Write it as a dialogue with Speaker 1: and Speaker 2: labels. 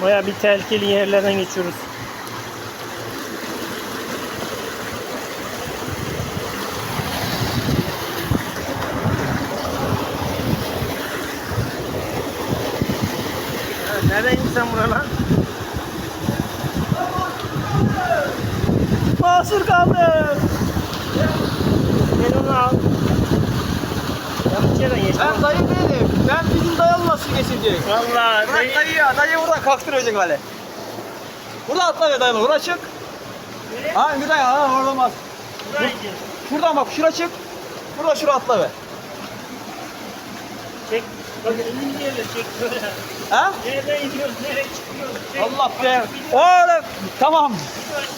Speaker 1: Baya bir tehlikeli yerlerden geçiyoruz. Nereye indin sen buralar? Mahsur kaldım. Gel onu al. Yanlış yerden geçtim.
Speaker 2: Ben dayı değilim. Ben bizim dayı nasıl geçecek?
Speaker 1: Vallahi
Speaker 2: Bırak dayı ya. Dayı buradan kalktıracak böyle. Burada atla be dayı. Buraya çık.
Speaker 1: Nereye?
Speaker 2: Ha bir dayı. Ha orada olmaz.
Speaker 1: Buraya gidiyoruz.
Speaker 2: Şuradan bak. Şura çık. Burada şura atla be.
Speaker 1: Çek. Bak elini yerle çek böyle.
Speaker 2: Ha?
Speaker 1: Nereden iniyoruz, nereye çıkıyoruz? Çek.
Speaker 2: Allah be. Oğlum. Tamam.